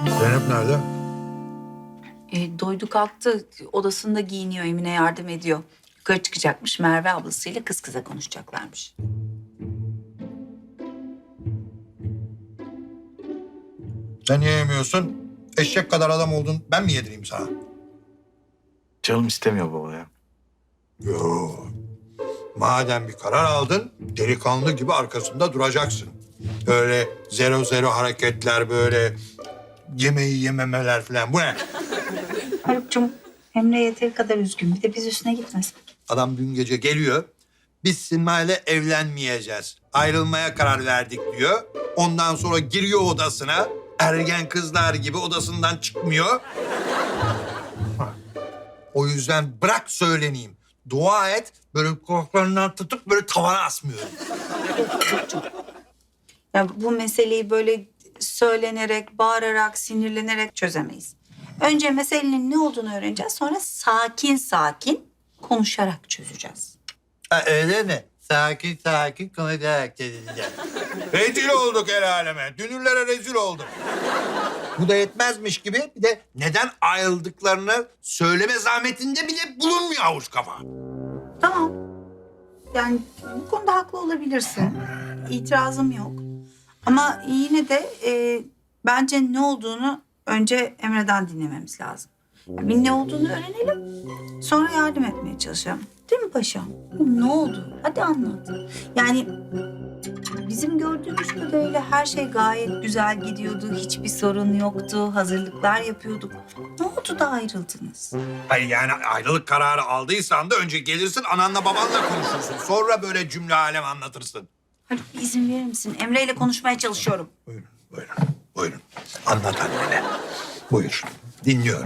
Zeynep nerede? Doydu kalktı. Odasında giyiniyor. Emine yardım ediyor. Yukarı çıkacakmış. Merve ablasıyla kız kıza konuşacaklarmış. Sen niye yemiyorsun? Eşek kadar adam oldun. Ben mi yedireyim sana? Canım istemiyor baba ya. Yo. Madem bir karar aldın, delikanlı gibi arkasında duracaksın. Öyle zero hareketler, böyle yemeği yememeler falan. Bu ne? Haluk'cum, Emre yeteri kadar üzgün. Bir de biz üstüne gitmesek. Adam dün gece geliyor. Biz Sima'yla evlenmeyeceğiz. Ayrılmaya karar verdik diyor. Ondan sonra giriyor odasına. Ergen kızlar gibi odasından çıkmıyor. O yüzden bırak söyleneyim. Dua et, böyle kulaklarından tutup böyle tavana asmıyorum. Ya bu meseleyi böyle söylenerek, bağırarak, sinirlenerek çözemeyiz. Önce meselenin ne olduğunu öğreneceğiz. Sonra sakin sakin konuşarak çözeceğiz. Ha, öyle mi? Sakin sakin konuşarak çözeceğiz. Rezil olduk el aleme. Dünürlere rezil olduk. Bu da yetmezmiş gibi bir de neden ayrıldıklarını söyleme zahmetinde bile bulunmuyor avuç kafa. Tamam. Yani bu konuda haklı olabilirsin. İtirazım yok. Ama yine de bence ne olduğunu önce Emre'den dinlememiz lazım. Bir ne olduğunu öğrenelim. Sonra yardım etmeye çalışalım. Değil mi paşam? Ne oldu? Hadi anlat. Yani bizim gördüğümüz kadarıyla her şey gayet güzel gidiyordu. Hiçbir sorun yoktu. Hazırlıklar yapıyorduk. Ne oldu da ayrıldınız? Hayır yani ayrılık kararı aldıysan da önce gelirsin ananla babanla konuşursun. Sonra böyle cümle alem anlatırsın. Haluk bir izin verir misin? Emre ile konuşmaya çalışıyorum. Buyurun, buyurun, buyurun. Anlat annene. Buyur, dinliyorum.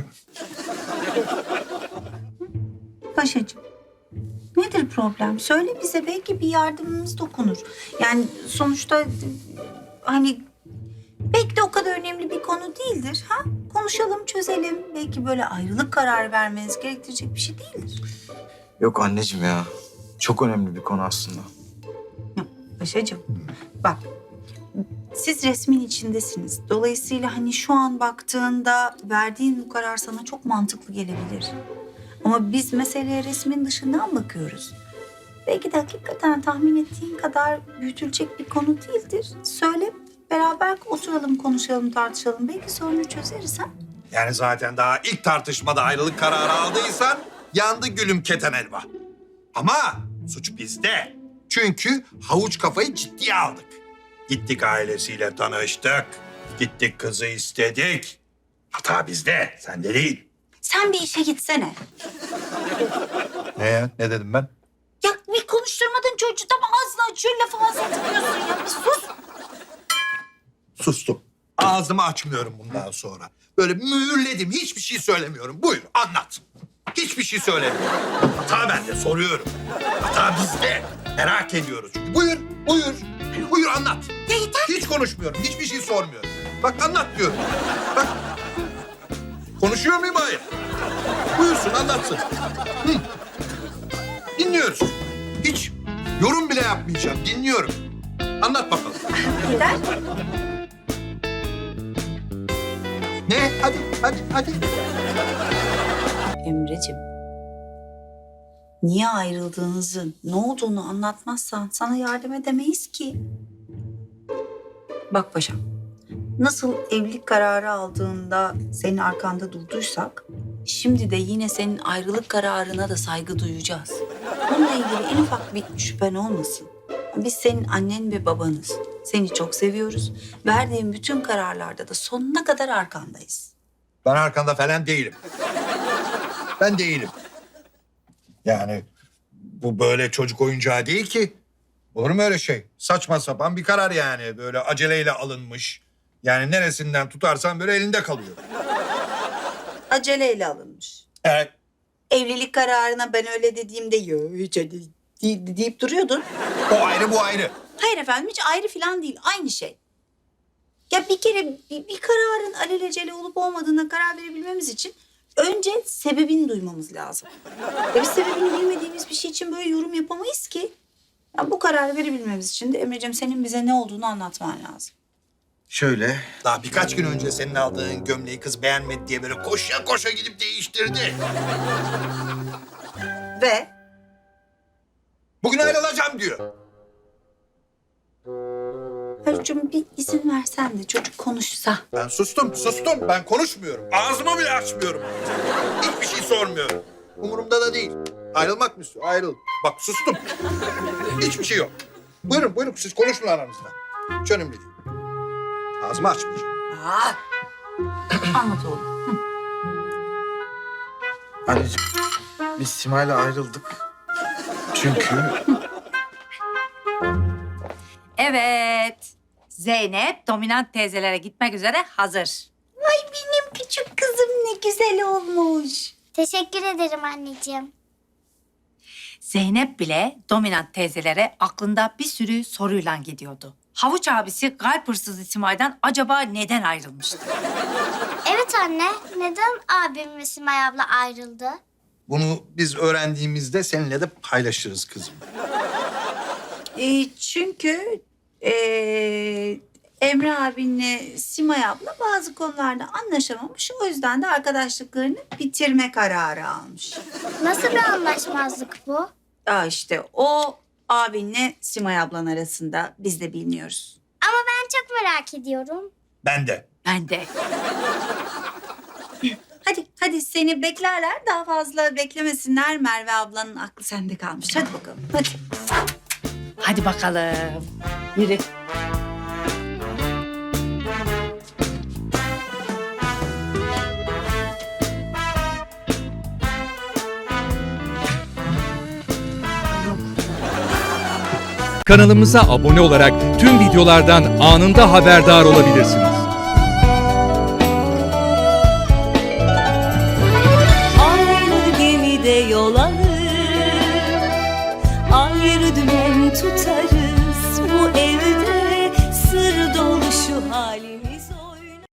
Paşacığım, nedir problem? Söyle bize, belki bir yardımımız dokunur. Yani sonuçta hani belki de o kadar önemli bir konu değildir. Ha? Konuşalım, çözelim. Belki böyle ayrılık kararı vermeniz gerektirecek bir şey değildir. Yok anneciğim ya. Çok önemli bir konu aslında. Paşacığım, bak siz resmin içindesiniz. Dolayısıyla hani şu an baktığında verdiğin bu karar sana çok mantıklı gelebilir. Ama biz meseleye resmin dışından bakıyoruz. Belki de hakikaten tahmin ettiğin kadar büyütülecek bir konu değildir. Söyle, beraber oturalım, konuşalım, tartışalım. Belki sorunu çözeriz ha? Yani zaten daha ilk tartışmada ayrılık kararı aldıysan yandı gülüm keten elma. Ama suç bizde. Çünkü havuç kafayı ciddiye aldık. Gittik ailesiyle tanıştık. Gittik kızı istedik. Hata bizde, sende değil. Sen bir işe gitsene. Ne ya? Ne dedim ben? Ya bir konuşturmadın çocuğu, tam ağzını açıyor, lafı ağzına tıkıyorsun ya. Bir sus. Sustum. Ağzımı açmıyorum bundan sonra. Böyle mühürledim. Hiçbir şey söylemiyorum. Buyur anlat. Hiçbir şey söylemiyorum. Hata bende, soruyorum. Hata bizde. Merak ediyoruz çünkü. Buyur, buyur. Buyur anlat. Ya yeter. Hiç konuşmuyorum. Hiçbir şey sormuyorum. Bak anlat diyorum. Bak. Konuşuyor muyum? Hayır. Buyursun anlatsın. Hı. Dinliyoruz. Hiç yorum bile yapmayacağım. Dinliyorum. Anlat bakalım. Yeter. Ne? Hadi. Emreciğim, niye ayrıldığınızı, ne olduğunu anlatmazsan sana yardım edemeyiz ki. Bak paşam, nasıl evlilik kararı aldığında senin arkanda durduysak, şimdi de yine senin ayrılık kararına da saygı duyacağız. Bununla ilgili en ufak bir şüphen olmasın. Biz senin annen ve babanız. Seni çok seviyoruz. Verdiğin bütün kararlarda da sonuna kadar arkandayız. Ben arkanda falan değilim. Ben değilim. Yani bu böyle çocuk oyuncağı değil ki. Olur mu öyle şey? Saçma sapan bir karar yani. Böyle aceleyle alınmış. Yani neresinden tutarsan böyle elinde kalıyor. Aceleyle alınmış. Evet. Evlilik kararına ben öyle dediğimde "Yo, hiç öyle değil" deyip duruyordun. O ayrı bu ayrı. Hayır efendim, hiç ayrı falan değil. Aynı şey. Ya bir kere bir kararın alelacele olup olmadığına karar verebilmemiz için önce sebebini duymamız lazım. Ya biz sebebini bilmediğimiz bir şey için böyle yorum yapamayız ki. Ya bu kararı verebilmemiz için de Emre'ciğim senin bize ne olduğunu anlatman lazım. Şöyle. Daha birkaç gün önce senin aldığın gömleği kız beğenmedi diye böyle koşa koşa gidip değiştirdi. Ve Bugün ayrılacağım diyor. Haluk'cum bir izin versen de çocuk konuşsa. Ben sustum. Ben konuşmuyorum. Ağzımı bile açmıyorum. Hiçbir şey sormuyorum. Umurumda da değil. Ayrılmak mı istiyor? Ayrıl. Bak sustum. Hiçbir şey yok. Buyurun siz konuşun aranızda. Hiç önemli değil. Ağzımı açmayacağım. Aa, anlat oğlum. Anneciğim biz Sima'yla ayrıldık. Çünkü Evet. Zeynep dominant teyzelere gitmek üzere hazır. Ay benim küçük kızım ne güzel olmuş. Teşekkür ederim anneciğim. Zeynep bile dominant teyzelere aklında bir sürü soruyla gidiyordu. Havuç abisi kalp hırsızı Simay'dan acaba neden ayrılmıştı? Evet anne, neden abim ve Simay abla ayrıldı? Bunu biz öğrendiğimizde seninle de paylaşırız kızım. Çünkü Emre abinle Simay abla bazı konularda anlaşamamış. O yüzden de arkadaşlıklarını bitirme kararı almış. Nasıl bir anlaşmazlık bu? İşte o abinle Simay ablan arasında biz de bilmiyoruz. Ama ben çok merak ediyorum. Ben de. Ben de. Hadi seni beklerler. Daha fazla beklemesinler. Merve ablanın aklı sende kalmış. Hadi bakalım. Hadi. Hadi bakalım. Yürü. Kanalımıza abone olarak tüm videolardan anında haberdar olabilirsiniz. Aynı gemide yol alır, ayrı dümen tutarız.